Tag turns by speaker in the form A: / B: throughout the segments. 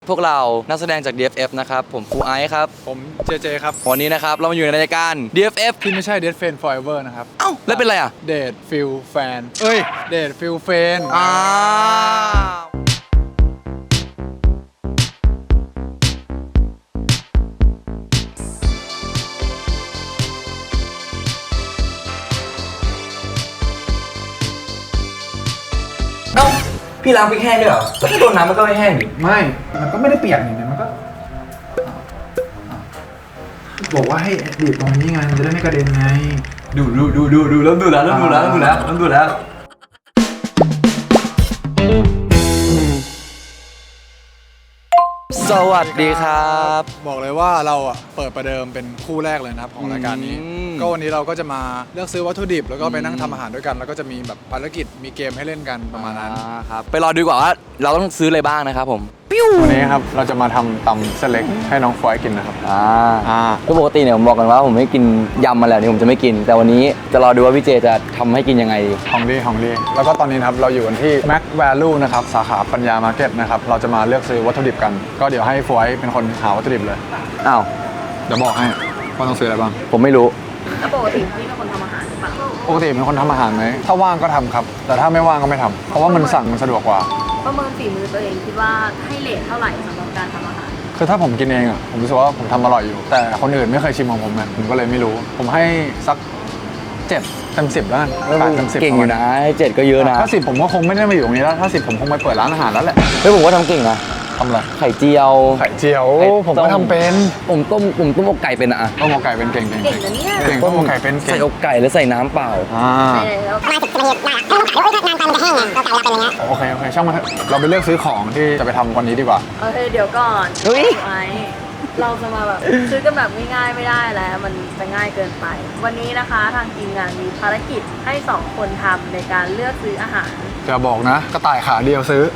A: พวกเรานักแสดงจาก DFF นะครับผมครูไอซ์ครับ
B: ผมเจครับ
A: วันนี้นะครับเรามาอยู่ในรายการ DFF
B: ที่ไม่ใช่ Dead Fan Forever นะครับ
A: เอ้าแล้วเป็นอะไรอ่ะ
B: Dead Feel Fan Dead Feel Fan
A: เอ้าพี่ล้างพริกแห้งด้วยเหรอแล้วถ้าโดนน้ำมันก็ไม่แห้งดิ
B: ไม่ มันก็ไม่ได้เปียกนี่มันก็บอกว่าให้บีบตรงนี้ไงมันจะได้ไม่กระเด็นไง
A: ดูเริ่มดูแล้วสวัสดีครับ
B: บอกเลยว่าเราเปิดประเดิมเป็นคู่แรกเลยนะครับของรายการนี้ก็วันนี้เราก็จะมาเลือกซื้อวัตถุดิบแล้วก็ไปนั่งทำอาหารด้วยกันแล้วก็จะมีแบบภารกิจมีเกมให้เล่นกันประมาณนั้น
A: ครับไปรอดูก่อนว่าเราต้องซื้ออะไรบ้างนะครับผม
B: วันนี้ครับเราจะมาทำตำเส้นเล็กให้น้องฟอยกินนะครับ
A: ก็ปกติเนี่ยผมบอกกันว่าผมไม่กินยำมาแล้วนี่ผมจะไม่กินแต่วันนี้จะรอดูว่าพี่เจจะทำให้กินยังไง
B: ของดีแล้วก็ตอนนี้นะครับเราอยู่กันที่ Mac Value นะครับสาขาปัญญามาร์เก็ตนะครับเราจะมาเลือกซื้อวัตถุดิบกันก็เดี๋ยวให้ฟอยเป็นคนหาวัตถุดิบเลย
A: อ้าว
B: เดี๋ยวบอกให้ว่าต้องซื้ออะไรบ้าง
A: ผมไม่รู้
C: แล้วปกติพี่เป็นคนทำอาหารหรือเปล่า
B: ปกติเป็นคนทำอาหารไหมถ้าว่างก็ทำครับแต่ถ้าไม่ว่างก็ไม่ทำเพราะว่ามันสั่งมันสะดวกกว่า
C: ประเมินฝีมือตัวเองคิดว่าให้เรทเท่าไหร่สำหรับการทำอาหาร
B: คือถ้าผมกินเองผมรู้สึกว่าผมทำอร่อยอยู่แต่คนอื่นไม่เคยชิมของผมผมก็เลยไม่รู้ผมให้สัก7 เต็ม 10แล้วกัน8 เต็ม 10
A: เก่งอยู่นะ7ก็เยอะนะ
B: ถ้า10ผมก็คงไม่ได้มาอยู่ตรงนี้แล้วถ้า10ผมคงไปเปิดร้านอาหารแล้วแหละ
A: เฮ้ยผมว่าทำเก่งนะ
B: ทำอะไร
A: ไข่เจียว
B: ผมก็ทำเป็น
A: ผมต้มอกไก่เป็นอะ
B: ต้มอกไก่เป็นเก่ง
C: นะเนี่ย
B: เก่งต้มอกไก่เป็น
A: ใส่อกไก่แล้วใส่น้ำเปล่า
C: ใช่แล้วมาถึงจะมีได้ถ้าต้องขายนานไปมันจะแห้งไงก็กลายเป็นอย่างเงี้ย
B: โอเคช่างมันเราไปเลือกซื้อของที่จะไปทำวันนี้ดีกว่า
C: โอเคเดี๋ยวก่อนเราจะมาแบบซื้อกันแบบง่ายๆไม่ได้แล้วมันจะง่ายเกินไปวันนี้นะคะทางทีมงานมีภารกิจให้2คนทำในการเลือกซื้ออาหาร
B: จะบอกนะกระต่ายขาเดียวซื้อ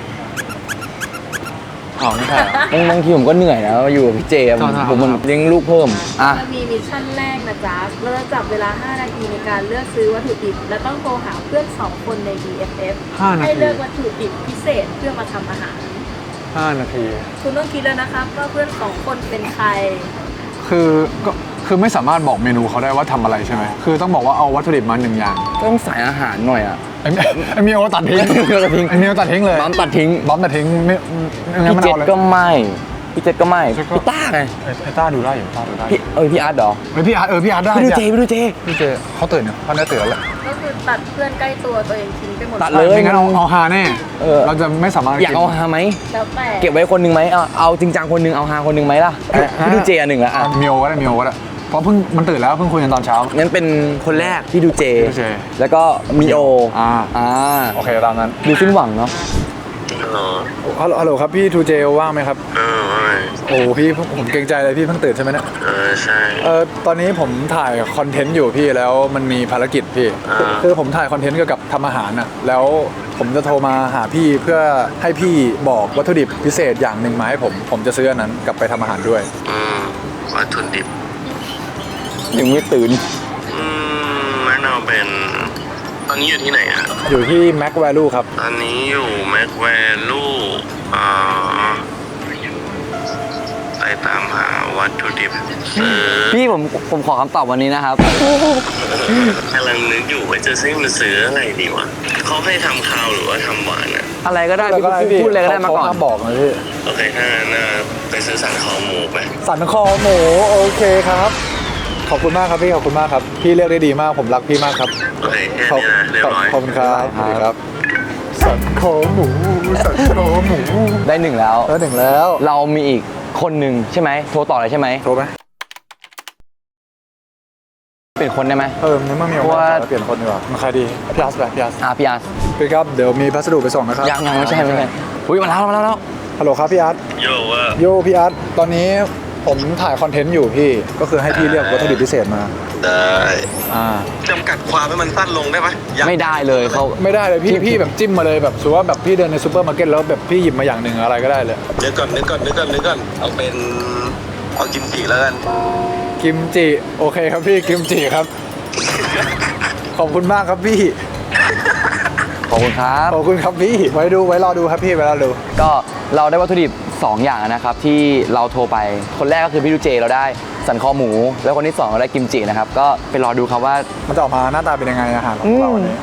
B: ไม่ใช่
A: บางทีผมก็เหนื่อยนะอยู่กับพี่เจผมมันเลี้ยงลูกเพิ่ม
C: จะมีมิชชั่นแรกนะจ๊ะเราจะจับเวลา5 นาทีในการเลือกซื้อวัตถุดิบและต้องโทรหาเพื่อน2 คนใน DFF ให้เลือกวัตถุดิบพิเศษเพื่อมาทำอาหาร
B: 5 นาที
C: คุณต้องคิดแล้วนะครับว่าเพื่อน2 คนเป็นใคร
B: คือไม่สามารถบอกเมนูเขาได้ว่าทำอะไรใช่ไหมคือต้องบอกว่าเอาวัตถุดิบมา1 อย่าง
A: ต้องใส่อาหารหน่อย
B: ไอเมียวตัดทิ้งไอเมียวตัดทิ้งเลย
A: บอมตัดทิ้ง
B: ไม่
A: พี่เจษก็ไม่พี่ต้าไง
B: ไอต้าดูได้อยู่
A: พี่อาร์ตเหรอ
B: พี่อาร์ตได้
A: พี่ดูเจ
B: เขาตื่นเนี่ยเขาได้ตื่นแล้ว
C: ก็คือตัดเพื่อนใกล้ตัวตัวเองทิ้งไปหมด
A: ตัดเลย
B: ไม่งั้นเอาฮาแน่เราจะไม่สามารถ
A: อยากเอาฮาไหม
C: แล้วแต่
A: เก็บไว้คนนึงไหมเอาจริงจังคนนึงเอาฮาคนนึงไหมล่ะพี่ดูเจ1แล้ว
B: เมียวก็ได้เพราะมันตื่นแล้วเพิ่งคุยกันตอนเช้า
A: งั้นเป็นคนแรกพี่ดูเจแล้วก็มีโอ
B: โอเคตามนั้น
A: ดูสิ้นหวังเนาะ
B: ฮัลโหลครับพี่ทูเจว่างไหมครับโอ้พี่ผมเกรงใจเลยพี่เพิ่งตื่นใช่ไหมเนี่ย
D: ใช่
B: ตอนนี้ผมถ่ายคอนเทนต์อยู่พี่แล้วมันมีภารกิจพี่คือผมถ่ายคอนเทนต์เกี่ยวกับทำอาหารแล้วผมจะโทรมาหาพี่เพื่อให้พี่บอกวัตถุดิบพิเศษอย่างหนึ่งมาให้ผมจะซื้ออันนั้นกลับไปทำอาหารด้วย
D: วัตถุดิบ
A: ยังไม่ตื่น
D: แนะนำเป็นตอนนี้อยู่ที่ไหน
B: อยู่ที่ Mac Value ครับ
D: ตอนนี้อยู่ Mac Value ไปตามหาวัตถุดิบ
A: พี่ผมขอคำตอบวันนี้นะครับ
D: กำลังนึกอยู่ว่าจะซื้ออะไรดีวะเขาให้ทำข้าวหรือว่าทำหวาน
A: อะไรก็ได้พี่พูดอะไรก็ได้มาก่อน
B: บอกนะพี่
D: โอเคถ้างั้นไปซื้อสันคอหมูไป
B: สันคอหมูโอเคครับขอบคุณมากครับพี่ขอบคุณมากครับพี่เลือกได้ดีมากผมรักพี่มากครับ
D: โอเคแค่นี้นะเรียบร้อย
B: ขอบคุณครับสันคอหมู
A: ได้1แล้วเรามีอีกคนหนึ่งใช่ไหมโทรต่อเลยใช่ไหม
B: โทรไหม
A: เปลี่ยนคนได้ไหม
B: นี่มันมีว่าเปลี่ยนคนดีกว่ามันใครดีพี่อาร์ต
A: พี่อาร์ต
B: พี่ครับเดี๋ยวมีพัสดุไปส่งนะครับ
A: ยังไม่ใช่อุ้ยมาแล้ว
B: ฮัลโหลครับพี่อาร์ตโยพี่อาร์ตตอนนี้ผมถ่ายคอนเทนต์อยู่พี่ก็คือให้พี่เลือกวัตถุดิบพิเศษมา
D: ได้จำกัดความให้มันสั้นลงได้ไหม
A: ไม่ได้เลยเขา
B: ไม่ได้เลยพี่แบบจิ้มมาเลยแบบสมมติว่าแบบพี่เดินในซูเปอร์มาร์เก็ตแล้วแบบพี่หยิบมาอย่างหนึ่งอะไรก็ได้เลย
D: นึกก่อนเอากิมจิแล้วกัน
B: กิมจิโอเคครับพี่กิมจิครับขอบคุณมากครับพี่
A: ขอบคุณครับ
B: พี่ไว้รอดูครับพี่ไว้รอดู
A: ก็เราได้วัตถุดิบ 2 อย่างนะครับที่เราโทรไปคนแรกก็คือพี่ดูเจเราได้สันคอหมู แล้วคนที่ 2 เราได้กิมจินะครับก็ไปรอดูครับว่า
B: มันจะออกมาหน้าตาเป็นยังไงอาหารของเราวันนี้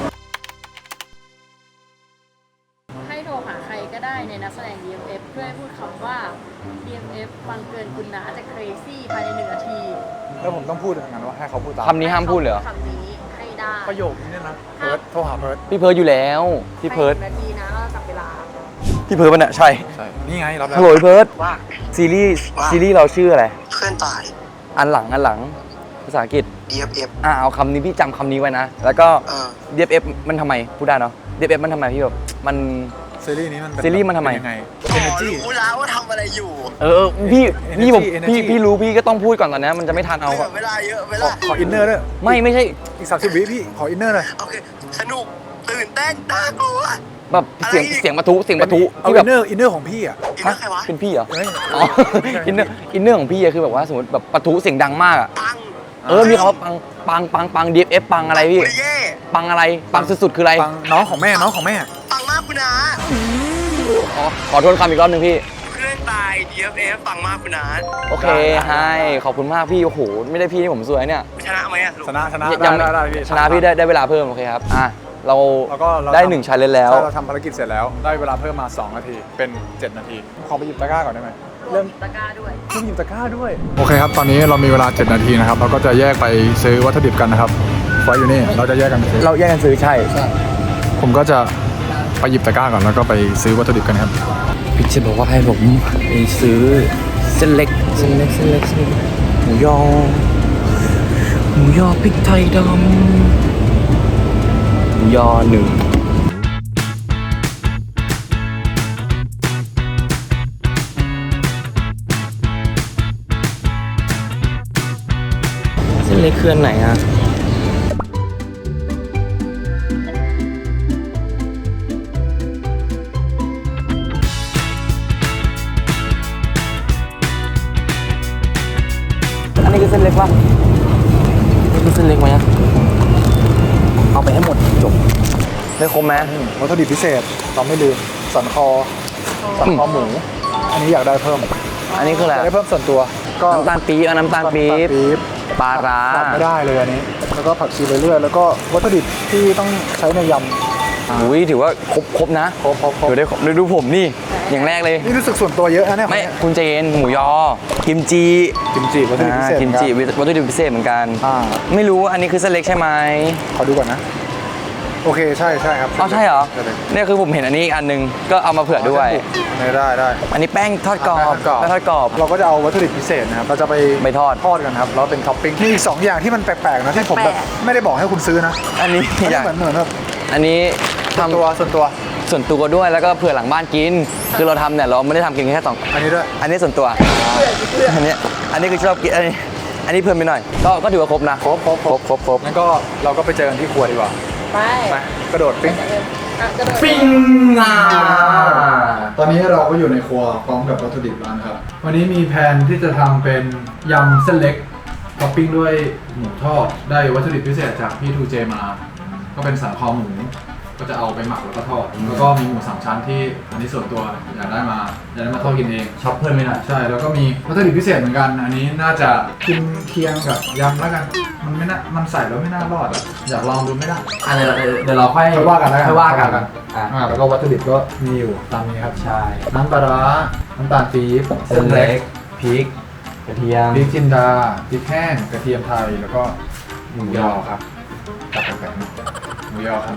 C: ให้โทรหาใครก็ได้ในนักแสดง DMF เพื่อให้พูดคำว่า DMF ฟังเกินคุณนะจะ crazy ภายใน1 นาที
B: แล้วผมต้องพูดอย่างนั้นว่าให้เขาพูดตาม
A: คำนี้ห้ามพูดเลยเหรอ
C: คำนี้ให้ได้
B: ประโยคนี้เนี่ยนะเพิร์ดโทรหาเพิร์ด
A: พี่เพิร์ดอยู่แล้วพี่เพิร์ด
C: ภายใน1 นาทีนะเราจับเวลา
A: พี่เพิร์ดมันอะใช่
B: ใช่นี่ไงรับแล้ว
A: ฮัลโหลพี่เพิร์ด
D: ว่า
A: ซีรีส์เราชื่ออะไร
D: เพื่อนตาย
A: อันหลังภาษาอังกฤษ
D: DFF
A: เอาคำนี้พี่จำคำนี้ไว้นะ แล้วก็ DFF มันทำไมพูดได้เนาะ DFF มันทำไมพี่แบบมัน
B: ซีรีส์นี้มันเป็น
A: ซีรีส์มันทำไม
B: เป็นยังไง
D: อ๋อ
B: Energy
D: รู้แล้วว่าทำอะไรอยู่
A: พี่ผม
B: Energy
A: พี่รู้พี่ก็ต้องพูดก่อนตอนนี้มันจะไม่ทันเอา
D: เวลาเยอะเว
B: ขอ
D: ลา
B: ขออินเนอร์ด้วย
A: ไม่ใช่
B: อีก30 วิพี่ขออินเนอร์หน่อย
D: โอเค สนุก ตื่นเต้นน่ากลัว
A: แบบเสียง
D: อะไร
A: เสียงปะทุ
B: เอา
A: ที่
B: อิ
A: แบบ
B: นเนอร์ของพี่อ่ะ
D: อินเนอร์ใครวะ
A: เป็นพี่เหรอ
B: เฮ้ย
A: อ๋ออินเนอร์ของพี่อะคือแบบว่าสมมติแบบปะทุเสียงดังมากอะ
D: ปัง
A: มีคำว่าปัง DFF ปังอะไรพี่
D: ปุริเย่
A: ปังอะไรปังสุดๆคืออะไร
B: ฟังน้องของแม่
D: ปังมากคุณนา
A: อ๋อขอโทษคำอีกรอบหนึงพี่
D: เพื่อนตาย DFF ปังมากคุณนา
A: โอเคให้ขอบคุณมากพี่โอ้โหไม่ได้พี่นี่ผมสวยเนี่ย
D: ชนะไหมอะสรุป
B: ชนะ
A: ยัง
B: ได้พี่
A: ชนะพี่ได้เวลาเพิ่มโอเคครับเรา
B: แล้วก็เรา
A: ได้
B: ทำ
A: 1 ชาเลนจ์แล้ว
B: ใช่เราทำภารกิจเสร็จแล้วได้เวลาเพิ่มมา2 นาทีเป็น 7 นาทีขอไปหยิบตะกร้าก่อนได้ไหม
C: รวมตะกร้าด้วย
B: เริ่มหยิบตะกร้าด้วยโอเคครับตอนนี้เรามีเวลา 7 นาทีนะครับเราก็จะแยกไปซื้อวัตถุดิบกันนะครับไฟอยู่นี่เราจะแยกกันไปซื้อ
A: เราแยกกันซื้อใช่
B: ผมก็จะไปหยิบตะกร้าก่อนแล้วก็ไปซื้อวัตถุดิบกันครับ
A: พี่จะบอกว่าให้ผมไปซื้อเส้นเล็กหมูยอพริกไทยดำหมูยอ1เส้นเล็กเคลื่อนไหนอะอันนี้คือเส้นเล็กป่ะนี่คือเส้นเล็กไหมอะเอาไปให้หมดจบได้ครบไหม
B: วัตถุดิบพิเศษเราไม่ลืมสันคอหมู อันนี้อยากได้เพิ่ม
A: อันนี้คืออะไร
B: อยากได้เพิ่มส่วนตัวก็
A: น้ำตาลปี๊บน้ำตาลปี๊บปลาร้า
B: ขาดไม่ได้เลยอันนี้ แล้วก็ผักชีเรื่อยๆแล้วก็วัตถุดิบที่ต้องใช้ในยำ
A: อุ้ยถือว่าครบนะ
B: ครบ
A: ถือได้ครบดูผมนี่อย่างแรกเลย
B: นี่รู้สึกส่วนตัวเยอะนะเนี่ย
A: ไม่คุณเจนหมูยอกิมจิ
B: กิมจิวัตถุดิบพิเศษ
A: กิมจิ
B: เหอนกัน
A: วัตถุดิบพิเศษเหมือนกัน ไม่รู้ว่าอันนี้คือเส้นเล็กใช่ไหม
B: ขอดูก่อนนะ โอเคใช่ครับ
A: อ๋อใช่เหรอ
B: ใช่เลย
A: เนี่ยคือผมเห็นอันนี้อีกอันนึงก็เอามาเผื่อด้วย
B: ได้
A: อันนี้แป้งทอดกรอบ
B: แป้งทอดกรอบ
A: แป้งทอดกรอบ
B: เราก็จะเอาวัตถุดิบพิเศษนะครับเราจะไป
A: ไปทอด
B: กันครับแล้วเป็นท็อปปิ้งมีอีก2 อย่างที่มันแปลกๆนะที่ผมแบบไม่ได้บอกให้คุณซื้อนะ
A: อันนี้
B: อัน
A: อ
B: นี้
A: ยาก
B: เหมือนแบบ
A: อันนี้
B: ส่วน
A: ทำ
B: ตัว
A: ส่วนตัวด้วยแล้วก็เผื่อหลังบ้านกิน คือเราทำเนี่ยเราไม่ได้ทำกินแค่สอง
B: อันนี้ด้วย
A: อันนี้ส่วนตัวอันนี้คือชอบกินอันนี้เพิ่มไปหน่อย ก็ถือว่าครบนะ
B: ครบงั้นก็เราก็ไปเจอกันที่ครัวดีกว่า
C: ไป
B: ไปกระโดดปิ้ง
C: กระโดด
A: ปิ้งอ่ะ
B: ตอนนี้เราก็อยู่ในครัวพร้อมกับวัตถุดิบแล้วนะครับ วันนี้มีแผนที่จะทำเป็นยำเส้นเล็กท็อปปิ้งด้วยหมูทอด ได้วัตถุดิบพิเศษจากพี่ทูเจมา ก็เป็นสันคอหมู ก็จะเอาไปหมักแล้วก็ทอด แล้วก็มีหมู3 ชั้นที่อันนี้ส่วนตัวอยากได้มาทอดกินเอง
A: ช็อปเพิ่มไปหน่อย
B: ใช่ แล้วก็มีวัตถุดิบพิเศษเหมือนกัน อันนี้น่าจะกินเคียงกับยำแล้วกัน มันไม่น่ามันใส่แล้วไม่น่ารอดอะอยากลองดูไม่ได้
A: อันนี้เดี๋ยวเราค่อย
B: ค่อยว่ากันแล้วกัน
A: ค่อยว่ากัน
B: แล้วก็วัตถุดิบก็มีอยู่ตามนี้ครับ
A: ใช่
B: น้ำปลาร้าน้ำตาลปี๊บ
A: เส้นเล็กพริกกระเทียม
B: พริกจินดาพริกแห้งกระเทียมไทยแล้วก็หมูยอครับตัดแบ่งๆหมูยอครับ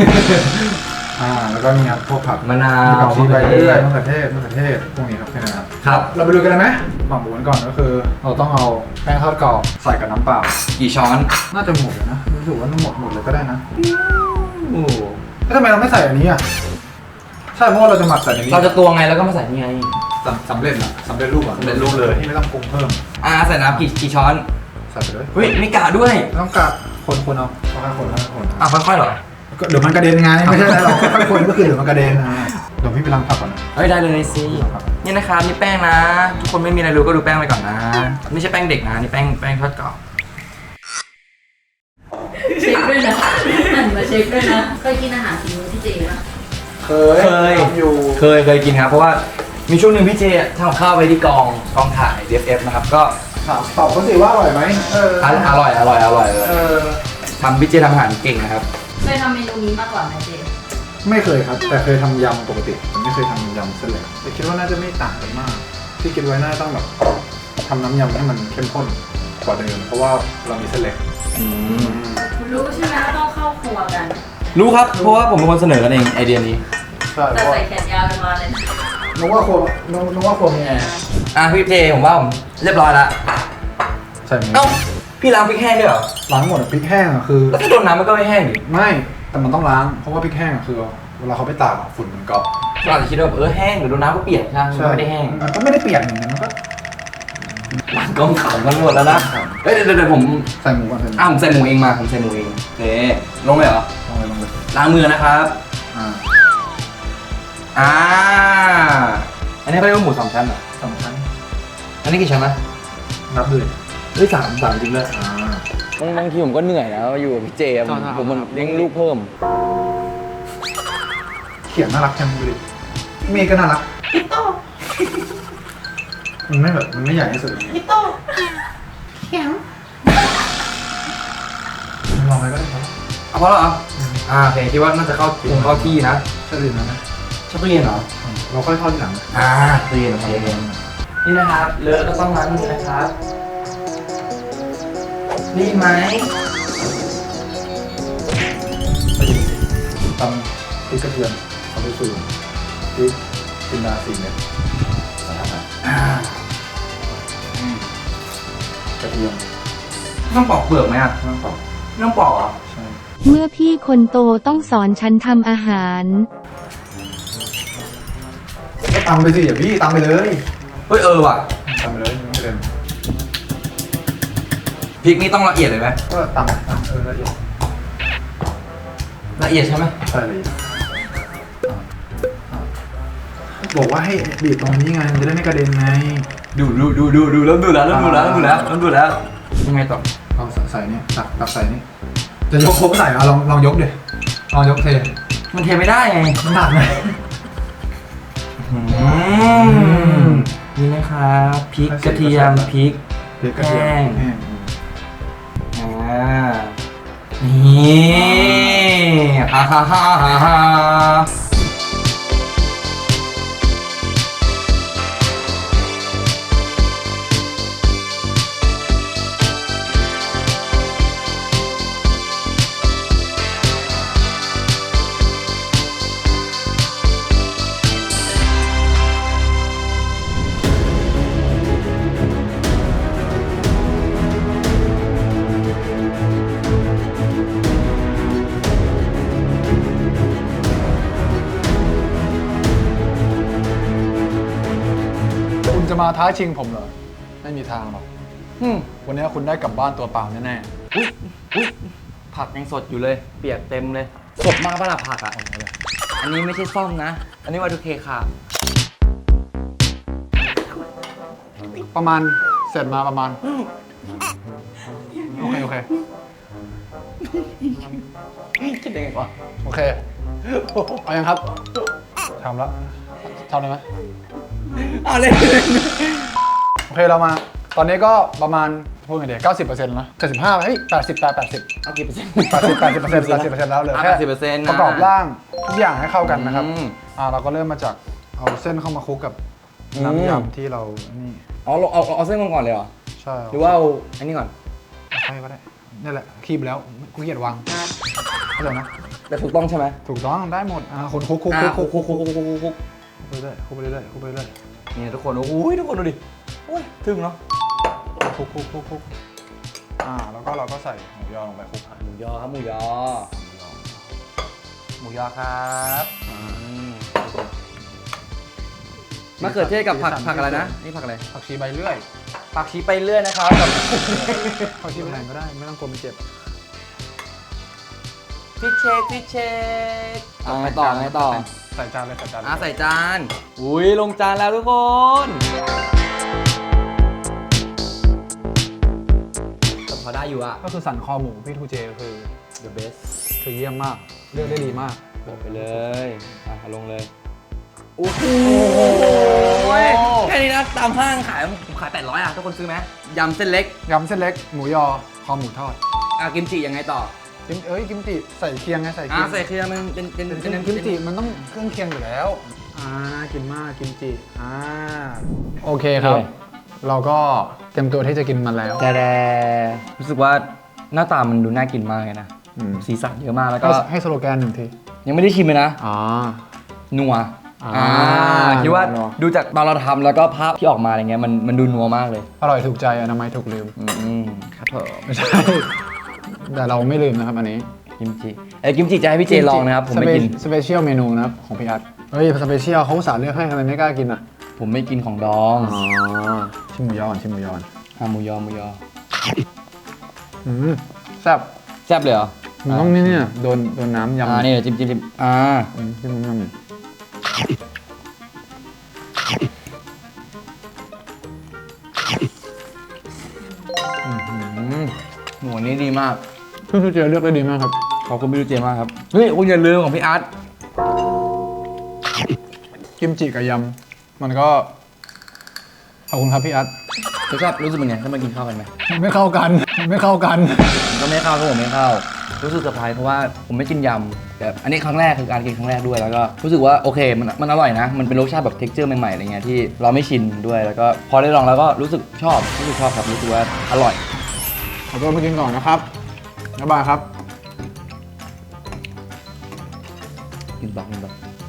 B: แล้วก็มีครับพวกผัก
A: มะนาว
B: มีผักชีใบเลื่อยมะเขือเทศพวกนี้ครับแค่นั้นครับ
A: ครับ
B: เราไปดูกันเลยไหมหมักหมูกันก่อนก็คือ เราต้องเอาแป้งทอดกรอบใส่กับน้ำเปล่า
A: กี่ช้อน
B: น่าจะหมดเลยนะรู้สึกว่าหมดเลยก็ได้นะ
A: โอ้
B: แล้วทำไมเราไม่ใส่อันนี้อ่ะใช่เพราะว่าเราจะหมักใส่ในนี้
A: เราจะตวงไงแล้วก็มาใส่นี่ไง
B: สำเร็จสำเร็จรูปอ่ะ
A: สำเร็จรูปเลย
B: ที่ไม่ต้องปรุงเพิ่ม
A: ใส่น้ำกี่ช้อน
B: ใส่ไปเลย
A: เฮ้ยไม่กะด้วย
B: ไม่ต้องกัดคนเอาค่อยๆคน
A: ค่อยๆเหรอ
B: เดี๋ยวมันกระเด็นไงไม่ใช่เราค่อยๆคนก็คือเดี๋ยวมันกระเด็นเดี๋ยวพี่ไปล้างผักก่อนนะ
A: เฮ้ยได้เลยสินี่นะครับนี่แป้งนะ ทุกคนไม่มีอะไรรู้ก็ดูแป้งไปก่อนนะ ไม่ใช่แป้งเด็กนะนี่แป้งทอดกรอบ
C: เช็คด้วยนะหันมาเช็คด้วยนะ เคยกินอาหารฝีมือพี่เจป่ะ
B: เคยทำอยู่
A: เคยกินครับเพราะว่ามีช่วงหนึ่งพี่เจทำกับข้าวไปที่กองถ่าย DFF นะครับก็
B: ตอบเขาสิว่าอร่อยไหม
A: อร่อยทำพี่เจทำอาหารเก่งนะครับ
C: เคยทำเมนูนี้มาก่อนไหมเจ
B: ไม่เคยครับ แต่เคยทำยำปกติแต่ไม่เคยทำยำเส้นเล็กแต่คิดว่าน่าจะไม่ต่างกันมาก ที่คิดไว้น่าต้องแบบทำน้ำยำให้มันเข้มข้นกว่าเดิมเพราะว่าเรามีเส้นเล็ก
C: รู้ใช่ไหมว่าต้องเข้าครัวกัน
A: รู้ครับเพราะว่าผมเป็นคนเสนอกันเองไอเดียนี้
B: ใช่เพ
C: แต่
B: ราะว่า
C: ใส่แขนยาวกันมาเลย
B: นึกว่าครัวมีแอร์
A: พี่เจผมว่าผมเรียบร้อยละ
B: ใช่ไหม
A: เอ้าพี่ล้างพริกแห้งด้วยเหรอ
B: ล้างหมดอะพริกแห้งอะคือ
A: แล้วถ้าโดนน้ำมันก็ไม่แห้งดิ
B: ไม่แต่มันต้องล้างเพราะว่าพริกแห้งอะคือเวลาเขาไปตากอะฝุ่นมันเกาะ
A: เราอาจจะคิดว่าแห้งหรือโดนน้ำก็เปียกใช่ไหมมันไม่ได้แห้ง
B: มันก็ไม่ได้เปียกอย่างนั้นมันก็
A: มันก็ขำกันหมดแล้วนะเดี๋ยวผม
B: ใส่หมูก่อนใส่หมู
A: ผมใส่หมูเองมาผมใส่หมูเองโอเคลงเลยเหรอ
B: ลงเลย
A: ล้างมือนะครับ
B: อ่า
A: อันนี้เขาเรียกว่าหมูสามชั้นเหรอ
B: สำคัญ
A: อันนี้กี่ชั้นนะ
B: นับเลย
A: เฮ้ยสามจริงเลย
B: อ่า
A: บางทีผมก็เหนื่อยแล้วอยู่กับพี่เจผมมันเลี้ยงลูกเพิ่ม
B: เขียนน่ารักจังดูดิเมย์ก็น่ารักมันไม่แบบมันไม่ใหญ่ที่สุดพี่โตเขียนลองไปก็ได้ครับ
A: เอาพอแล้วเหรอโอเคคิดว่าน่าจะเข้าที่นะ
B: ใช่ดีนะ
A: ชอบตู้เย็นเหรอ
B: เราค่อยทอดทีหลัง
A: ตู้เย็นโอเคนี่นะครับเลอะก็ต้องล้างมือนะครับนี่ไหม
B: ตำพริกกระเทียมเอาไปสูตรพริกจินดา4 เม็ดกระเทียม
A: ต้องปอกเปลือกไหมอ่ะ
B: ไม่ต้องปอก
A: ไม่ต้องปอกเหรอ
B: ใช่
E: เมื่อพี่คนโตต้องสอนฉันทำอาหาร
B: ก็ตำไปสิอย่าพี่ตำไปเลย
A: เฮ้ยว่ะ
B: ตำไปเลยไม่เป็น
A: พริกนี่ต้องละเอียดเลยไหม
B: ก็ตำละเอียด
A: ละเอียดใช่ไหม
B: ใช่ละเอียดบอกว่าให้บีบตรงนี้ไงมันจะได้ไม่กระเด็นไง
A: ดูแล้วยังไงต่อ
B: เอาใส่นี่ตักใส่นี่จะยกโค้งใส่เอาลองยกดิลองยกเท
A: มันเทไม่ได้ไง
B: มันหนักไหม
A: นี่นะครับพริกกระเทียมพริก
B: พริกกระเทียมแห้ง
A: นี่ฮ่า
B: คุณจะมาท้าชิงผมเหรอไม่มีทางหรอกวันนี้คุณได้กลับบ้านตัวเปล่าแน่
A: อุ๊ยผักยังสดอยู่เลยเปียกเต็มเลยสดมากป่ะล่ะผักอ่ะอันนี้ไม่ใช่ซ่อมนะอันนี้Y2Kค่ะ
B: ๆประมาณเสร็จมาประมาณโอเค
A: คิดได้ไงวะ
B: โอเคเอายังครับทำแล้วทำได้ไหม
A: เอาเลย
B: โอเคเรามาตอนนี้ก็ประมาณพูดไงเดี๋ยว90%แล้ว75เฮ้ย80
A: เอากี่เปอร์เซ็นต์
B: 80% แล้วเหลยแค่
A: 80%นะ
B: ประกอบร่างทุกอย่างให้เข้ากันนะครับ
A: อืม
B: เราก็เริ่มมาจากเอาเส้นเข้ามาคลุกกับน้ำยำที่เรานี่
A: เอาเส้นก่อนเลยเหรอ
B: ใช่
A: หรือว่าเอาอันนี้ก่อน
B: ใช่ก็ได้นี่แหละคีบแล้วกูเกียดวางเข้าใจไหม
A: แต่ถูกต้องใช่ไหม
B: ถูกต้องได้หมดคนคลุก
A: คุก
B: ไปเรื่อยคลุกไปเรื่อย
A: นี่ทุกคนอุ้ยทุกคนดูดิโอ้ยถึงเนาะ
B: คลุกแล้วก็เราก็ใส่หมูยอลงไปคลุก
A: หมูยอครับหมูยอครับมะเขือเทศกับผักอะไรนะนี่ผักอะไร
B: ผักชีใบเลื่อย
A: ผักชีไปเรื่อยนะครับกับ
B: ผักชีใบแรงก็ได้ไม่ต้องกลัวมันเจ็บ
A: ฟิชเชคไงต่อ
B: ใส่จานเลย
A: ใส่จานอุ้ยลงจานแล้วทุกคน พอได้อยู่อะ
B: ก็คือสันคอหมูพี่ทูเจคือ
A: the best
B: คือเยี่ยมมากเลือกได้ดีมาก
A: บอกไปเลยลงเลยโอ้โหแค่นี้นะตามห้างขายผมขาย800อ่ะทุกคนซื้อไหมยำเส้นเล็ก
B: ยำเส้นเล็กหมูยอคอหมูทอด
A: กิมจิยังไงต่อ
B: กิมจิใส่เคียงไงใส่เคียง
A: ใส่เครื่องมันเป็น
B: กิมจิมันต้องเครื่องเคียงอยู่แล้วกินมากกิมจิโอเคครับ เราก็เตรียมตัวที่จะกินมันแล้ว
F: แต่รู้สึกว่าหน้าตามันดูน่ากินมากเลยนะ สีสันเยอะมากแล้วก็
B: ให้สโลแกน1 ที
F: ยังไม่ได้ชิมเลยนะ
B: อ๋อ
F: นัว คิดว่า
B: นัว
F: ดูจากตอนเราทำแล้วก็ภาพที่ออกมาอะไรเงี้ยมันดูนัวมากเลย
B: อร่อยถูกใจอนามัยถูกลืม
F: ครับผม
B: ไม่ใช่ แต่เราไม่ลืมนะครับอันนี้
F: กิมจิกิมจิจะให้พี่เจลองนะครับผมไม่กิน
B: สเปเชียลเมนูนะครับของพี่อัดเฮ้ยสเปเชียลเขาอุตส่าห์เลือกให้ทำไมไม่กล้ากินอ่ะ
F: ผมไม่กินของดอง
B: ชิมหมูยอก่อนชิมหมูยอก่อน
F: หมูยอ
B: แซ่บ
F: แซ่บเลยเหรอ
B: มันต้องนี่เนี่ยโดนน้ำยำ
F: นี่เดี๋ยวจิ้ม
B: จิ้มน้ำยำ
F: หมูนี้ดีมาก
B: พี่เจเลือกได้ดีมากครับ
F: ขอบคุณพี่ลูกเจมากครับเฮ้ยคุณอย่าลืมของพี่อาร์ต
B: กิมจิกับยำมันก็ขอบคุณครับพี่อัด
F: รสชาติรู้สึกเป็นไงถ้ามากินข้าวกันไหม
B: ไม่เข้ากันไม่เข้ากัน
F: ผมก็ไม่เข้าครับผมไม่เข้ารู้สึกเซอร์ไพรส์เพราะว่าผมไม่กินยำแต่อันนี้ครั้งแรกคือการกินครั้งแรกด้วยแล้วก็รู้สึกว่าโอเคมันอร่อยนะมันเป็นรสชาติแบบเท็กเจอร์ใหม่ๆอะไรเงี้ยที่เราไม่ชินด้วยแล้วก็พอได้ลองแล้วก็รู้สึกชอบครับรู้สึกว่าอร่อย
B: ขอตัวไปกินก่อนนะครับบ๊ายบายครับ
F: กินบัก
C: กิน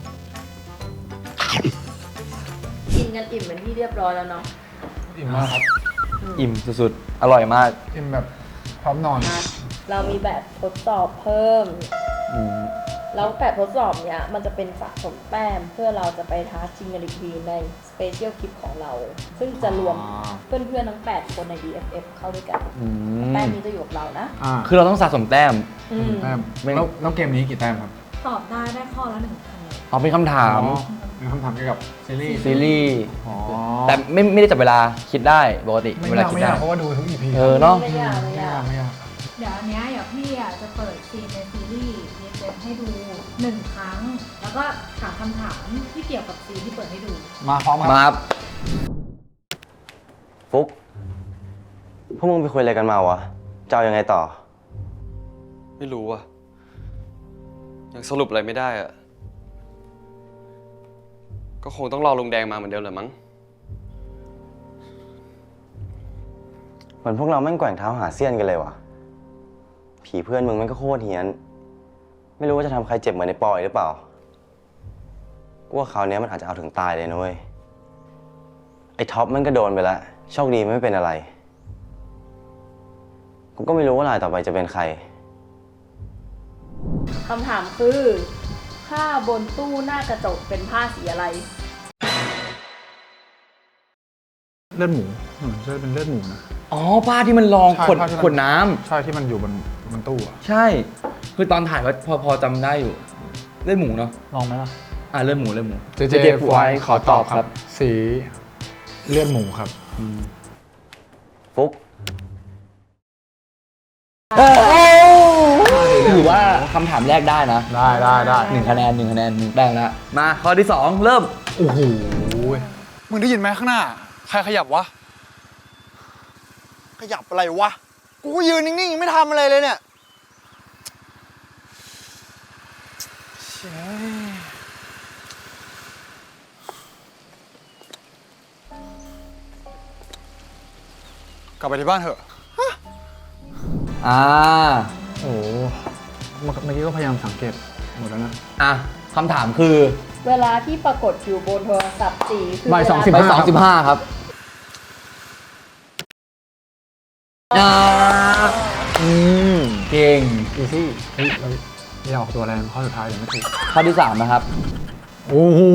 C: กันอิ่มเป็นที่เรียบร้อยแล้วเนาะ
B: อิ่มมากครับ
F: อิ่มสุดๆอร่อยมาก
B: อิ่มแบบพร้อมนอน
C: เรามีแบบทดสอบเพิ่ม แล้วแบบทดสอบเนี้ยมันจะเป็นสะสมแต้มเพื่อเราจะไปท้าชิงกันอีกทีในสเปเชียลคลิปของเรา ซึ่งจะรวมเพื่อนๆทั้ง 8 คนใน DFF เข้าด้วยกัน แต้มนี้จะอยู่กับเรานะ
F: คือเราต้องสะสมแต้ม
B: แต้มแล้วเกมนี้กี่แต้มครับ
G: ตอบได้ข้อละ1 คะแนน
F: เอาเป็นคำถาม
B: เป็นคำถามเกี่ยวกับซีรีส์
F: ซีรีส์
B: อ๋อ
F: แต่ไม่ได้จับเวลาคิดได้ปกติ
B: ไม่
F: เวลาย
B: าก
F: คิด
B: ไม่
F: ได้
B: ยากเพราะว่าดูทุก EP
F: เนาะ
C: ไม่ยากไม่ยาก
B: ไม่ยาก
G: เดี๋ยวอันเนี้ยพี่จะเปิดซีนในซีรีส์เจนให้ดู1 ครั้ง แล้วก็ถามคำถามที่เกี่ยวกับซีนที่เปิดให้ดู
B: มาพร้อมครับ
F: มาครับ
D: ฟุกพวกมึงไปคุยอะไรกันมาวะจะเอายังไงต่อ
H: ไม่รู้อ่ะยังสรุปอะไรไม่ได้อ่ะก็คงต้องรอลุงแดงมาเหมือนเดิมแหละมั้ง
D: เหมือนพวกเราแม่งแกว่งเท้าหาเสี้ยนกันเลยวะผีเพื่อนมึงแม่งก็โคตรเฮี้ยน ไม่รู้ว่าจะทำใครเจ็บเหมือนในปอยหรือเปล่ากูว่าคราวนี้มันอาจจะเอาถึงตายเลยนะเว้ยไอ้ท็อปมันก็โดนไปแล้วโชคดีไม่เป็นอะไรกูก็ไม่รู้ว่ารายต่อไปจะเป็นใคร
C: คำถามคือผ้าบนตู้หน้ากระจกเป็นผ้าสีอะไร
B: เลือดหมูใช่เป็นเลือดหมูนะ
F: อ๋อผ้าที่มันรอง
B: ใช่
F: ขวด
B: ผ้าที่มัน
F: ขวดน้ำ
B: ใช่ที่มันอยู่บนตู้อะ
F: ใช่ คือตอนถ่ายว่าพอจำได้อยู่เลือดหมูเนาะ
B: ลองไหมล่ะ
F: เลือดหมู
B: เจฟูไอขอตอบครับ สีเลือดหมูครับ
D: ฟุก
F: ถือว่าคำถามแรกได้นะ
B: ได้
F: 1 คะแนน1 แต้มแล้วมาข้อที่ 2 เริ่ม
B: โอ้โหมึงได้ยินไหมข้างหน้า ใครขยับวะ
I: ขยับอะไรวะ กูก็ยืนนิ่งๆยังไม่ทำอะไรเลยเนี่ย
B: กลับไปที่บ้านเถอะ
F: โอ้โห
B: เมื่อกี้ก็พยายามสังเกตหมดแล้วนะ
F: คำถามคือ
C: เวลาที่ปรากฏอยู่บนโทรศัพท์สีคือ
B: บ่าย
C: เวล
B: 2:15
F: ไป25 ครับเก่ง
B: อีซี่เฮ้ยเราอย่าออกตัวแรงข้อสุดท้ายเดี๋ยวไม่ถูก
F: ข้อที่ 3 นะครับ
B: โอ้โห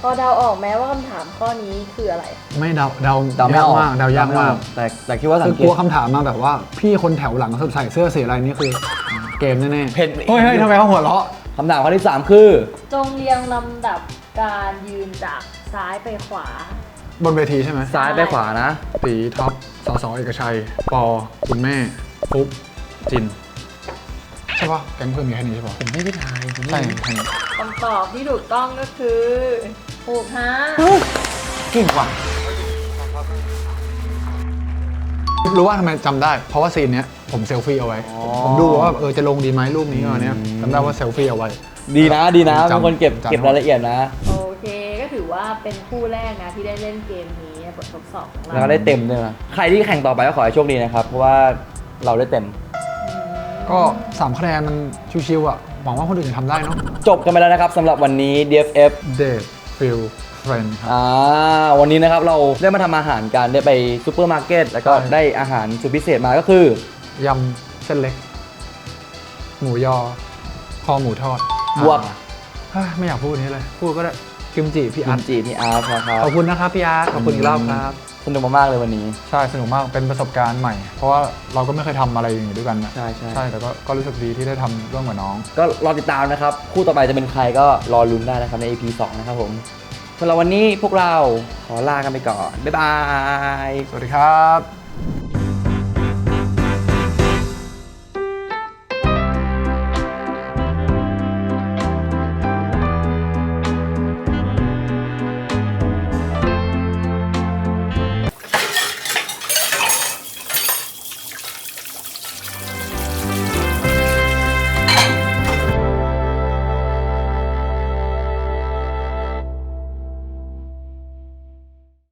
C: อเดาออกไหมว่าคำถามข้อนี้คืออะไร
B: ไม่เดา
F: เดาไม่
B: ยาก
F: ออก
B: มากเดายากมาก
F: แต่คิดว่าสั
B: คื
F: ง
B: อ
F: เก
B: กลัว
F: ต
B: คำถามมาแบบว่าพี่คนแถวหลังใส่เสื้อสีอะไรนี่คือเกมแน่ๆ
F: เพ่น
B: เฮ้ยทำไมเขาหัวเราะ
F: คำถามข้อที่ 3 คือ
C: จงเรียงลำดับการยืนจากซ้ายไปขวา
B: บนเวทีใช่ไหม
F: ซ้ายไปขวานะ
B: ตีท็อปสสเอกชัย ปอคุณแม่ปุ๊บจิน ใช่ปะแก๊งเพื่อนมีแค่นี้ใช่ปะ
F: ผมไม่ได้ทายผมไม่
B: ใช่
F: ได้
B: แค่นี้
C: คำตอบที่ถูกต้องก็คือถูกฮะ
B: เก่งว่ะรู้ว่าทำไมจำได้ เพราะว่าซีนเนี้ยผมเซลฟี่เอาไว้ ผมดูว่าจะลงดีไหมรูปนี้เนี้ยจำได้ว่าเซลฟี่เอาไว้
F: ดีนะเป็นคนเก็บ
B: จำ
F: เก็บรายละเอียดนะ
C: โอเคก็ถือว่าเป็นคู่แรกนะที่ได้เล่นเกมนี้บททดสอบของ
F: แล้ว
C: เรา
F: ก็ได้เต็มด้วยนะ ใครที่แข่งต่อไปก็ขอให้โชคดีนะครับ เพราะว่าเราได้เต็ม
B: ก็3คะแนนมันชิวๆอ่ะ หวังว่าคนอื่นจะทำได้เนาะ
F: จบกันไปแล้วนะครับสำหรับวันนี้ DFF
B: Date Feel Friend ครับ
F: วันนี้นะครับเราได้มาทำอาหารกันได้ไปซูเปอร์มาร์เก็ตแล้วก็
B: ใช่
F: ได้อาหารสุดพิเศษมาก็คือย
B: ำเส้นเล็ก หมูยอ คอหมูทอด
F: บวก
B: ไม่อยากพูดนี้เลย พูดก็ได้กิมจิพี่
F: อั
B: อาร์
F: น
B: ต
F: จีพี่อาร์ตนะครับ
B: ขอบคุณนะครับพี่อาร์ตขอบคุณอีกรอบครับ
F: สนุกมากๆเลยวันนี้
B: ใช่สนุกมากเป็นประสบการณ์ใหม่ เพราะว่าเราก็ไม่เคยทำอะไรอย่างนี้ด้วยกันนะ
F: ใช่ใช่
B: ใช่แต่ก็รู้สึกดีที่ได้ทำร่วมกับน้อง
F: ก็รอติดตามนะครับ คู่ต่อไปจะเป็นใครก็รอลุ้นได้นะครับใน EP 2 นะครับผมสำหรับวันนี้พวกเราขอลากันไปก่อน บ๊ายบาย
B: สวัสดีครับ